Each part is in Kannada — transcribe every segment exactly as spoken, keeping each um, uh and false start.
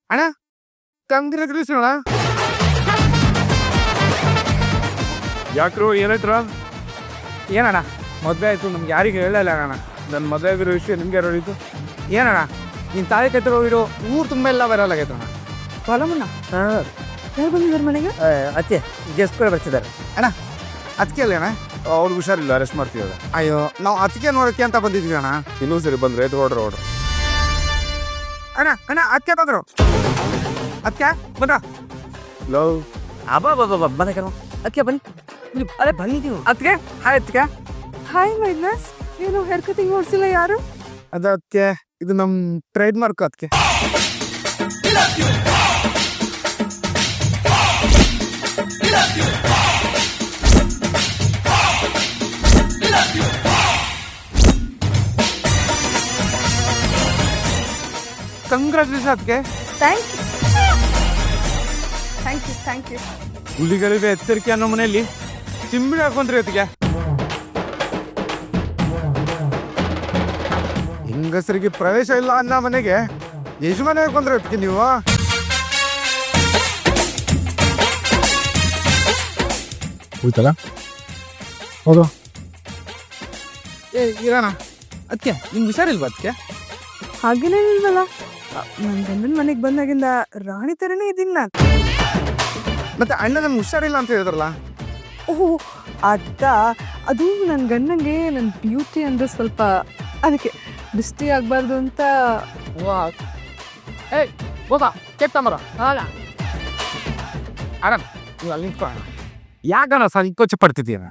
ಅಣ್ಣ ಕಂಗ್ರಾಚುಲೇಷನ್ ಅಣ್ಣ. ಯಾಕ್ರು ಏನಾಯ್ತರ? ಏನಣ್ಣ ಮದುವೆ ಆಯಿತು, ನಮ್ಗೆ ಯಾರಿಗೆ ಹೇಳಲ್ಲ ಅಣ್ಣ. ನನ್ನ ಮದುವೆ ಆಗಿರೋ ವಿಷಯ ನಿಮ್ಗೆ ಯಾರು ಹೇಳಿದ್ದು? ಏನಣ್ಣ ನೀನು ತಾಯಿ ಕತ್ತಿರೋ ಊರು ತುಂಬ ಎಲ್ಲ ವೈರಲ್ ಆಗೈತೆ ಅಣ್ಣ. ಬಾಲಮಣ್ಣ ಯಾರು ಬಂದಿದ್ದಾರೆ ಮನೆಗೆ? ಅತ್ತೆ ಗೆಸ್ಟ್ ಕೂಡ ಬರ್ತಿದ್ದಾರೆ. ಅಣ್ಣ ಅದಕ್ಕೆ ಅಲ್ಲ ಅಣ್ಣ, ಅವ್ರಿಗೆ ಹುಷಾರಿಲ್ಲ, ಅರೆಸ್ಟ್ ಮಾಡ್ತೀವಲ್ಲ. ಅಯ್ಯೋ ನಾವು ಅದಕ್ಕೆ ನೋಡೋಕ್ಕೆ ಅಂತ ಬಂದಿದ್ವಿ ಅಣ್ಣ. ಇನ್ನೊಂದು ಸರಿ ಬಂದ್ರೆ ಇದು ಹೊಡ್ರ ಹೊಡ್ರ. ಅಣ್ಣ ಅಣ್ಣ ಅದಕ್ಕೆ ಬಂದರು, ಅದಕ್ಕೆ ಬಂದ್ರ ಲವ್ ಅಬ್ಬಾ ಬಾಬಾ ಬಾಬಾ ಬನ್ನಿ ಕಣ ಅದಕ್ಕೆ ಬನ್ನಿ. ಅರೆ ಬನ್ನಿ ನೀವು. ಅದಕ್ಕೆ ಹಾಯ್ ಅದಕ್ಕೆ. ಹಾಯ್ ಮೈನಸ್, ಏನು ಹೇರ್ ಕಟಿಂಗ್ ಮಾಡಿಸಿಲ್ಲ ಯಾರು? ಅದಕ್ಕೆ ಇದು ನಮ್ಮ ಟ್ರೇಡ್ ಮಾರ್ಕ್. ಅದಕ್ಕೆ ಕಂಗ್ರಾಚುಲೇಷನ್ ಅದಕ್ಕೆ. Thank you thank you thank you. ಹುಲಿಗಳಿಗೆ ಎಚ್ಚರಿಕೆ ಅನ್ನೋ ಮನೆಯಲ್ಲಿ ಚಿಂಬಿಡಿ ಹಾಕೊಂಡ್ರಿ ಅದಕ್ಕೆ. ಹೆಂಗಸರಿಗೆ ಪ್ರವೇಶ ಇಲ್ಲ ಅನ್ನೋ ಮನೆಗೆ ಯಜಮಾನ ಹಾಕೊಂಡ್ರಿ ಅದಕ್ಕೆ ನೀವು. ಹೋಯ್ತಲ್ಲ ಹೌದು. ಏ ಇರೋಣ ಅದಕ್ಕೆ ನಿಮ್ಗೆ ಹುಷಾರಿಲ್ವಾ ಅದಕ್ಕೆ? ಹಾಗೇನೇನಿಲ್ವಲ್ಲ, ನನ್ನ ಗಂಡನ ಮನೆಗೆ ಬಂದಾಗಿಂದ ರಾಣಿ ಥರನೇ ಇದ್ದೀನಿ ನಾನು. ಮತ್ತೆ ಅಣ್ಣ ನಮ್ಗೆ ಹುಷಾರಿಲ್ಲ ಅಂತ ಹೇಳಿದ್ರಲ್ಲ. ಓಹೋ ಅದ, ಅದು ನನ್ನ ಗಂಡಂಗೆ ನನ್ನ ಬ್ಯೂಟಿ ಅಂದರೆ ಸ್ವಲ್ಪ, ಅದಕ್ಕೆ ದೃಷ್ಟಿ ಆಗಬಾರ್ದು ಅಂತ. ಏಯ್ ಹೋಗ ಕೆತ್ತಂಬರ ಅಲ್ಲ ಆರಾಮ್ ನೀವು ಅಲ್ಲಿ ನಿಂತ್ಕೊ. ಯಾಕಣ್ಣ ಸಂಕೋಚ ಪಡ್ತಿದ್ದೀರ?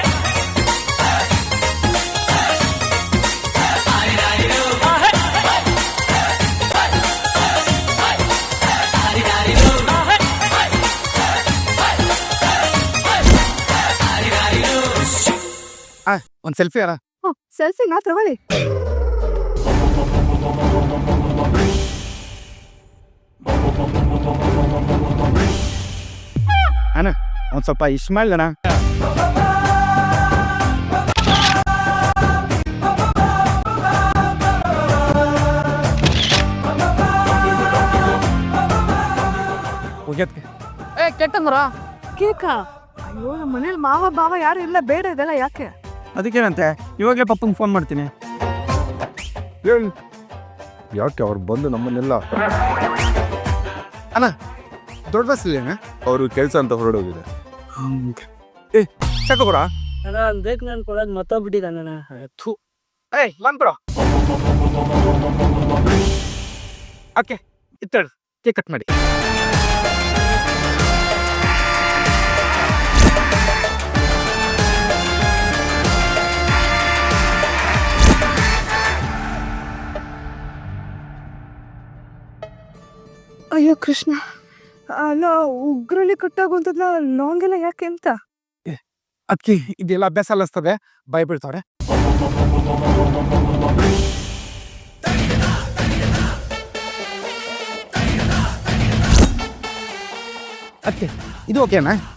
ಒಂದು ಸೆಲ್ಫಿ ಅಲ್ಲ. ಹ್ಞೂ ಸೆಲ್ಫಿ ನಾ ತಗೊಳ್ಳಿ. ಅಣ್ಣ ಒಂದು ಸ್ವಲ್ಪ ಇಸ್ಮಾಯಿಲ್ ಅಣ್ಣ. ಹೋಗ್ಯತ್ಕೆ ಏ ಕೆಟ್ಟಂದ್ರ ಕೇಕಾ? ಅಯ್ಯೋ ನಮ್ಮ ಮನೇಲಿ ಮಾವ ಬಾವ ಯಾರು ಇಲ್ಲ, ಬೇಡ ಇದೆಲ್ಲ ಯಾಕೆ? ಅದಕ್ಕೇನಂತೆ ಇವಾಗಲೇ ಪಪ್ಪಂಗೆ ಫೋನ್ ಮಾಡ್ತೀನಿ. ಹೇಳಿ ಯಾಕೆ ಅವ್ರು ಬಂದು ನಮ್ಮನ್ನೆಲ್ಲ ಅಣ್ಣ ದೊಡ್ಡ ಬಸ್ ಇಲ್ಲ ಅಣ್ಣ, ಅವರು ಕೆಲಸ ಅಂತ ಹೊರಡೋಗಿದೆ. ಏ ಚಕೋರ ನಾನು ಬೇಕು ನಾನು ಕೊಡೋದು ಮತ್ತೊಬ್ಬಿಟ್ಟಿದ್ದಾನ. ಥೂ ಏಯ್ ಬಂದ್ಬಿಡ. ಓಕೆ ಇತ್ತೇಳಿ ಕೇಕ್ ಕಟ್ ಮಾಡಿ. ಅಯ್ಯೋ ಕೃಷ್ಣ, ಅಲ್ಲ ಉಗ್ರಲ್ಲಿ ಕಟ್ಟಾಗುವಂಥದ್ನ ಲಾಂಗ್ ಎಲ್ಲ ಯಾಕೆ ಅಂತ? ಅದಕ್ಕೆ ಇದೆಲ್ಲ ಅಭ್ಯಾಸ ಅಲ್ಲಿಸ್ತದೆ, ಭಯ ಬೀಳ್ತಾವ್ರೆ. ಅದಕ್ಕೆ ಇದು ಓಕೆನಾ?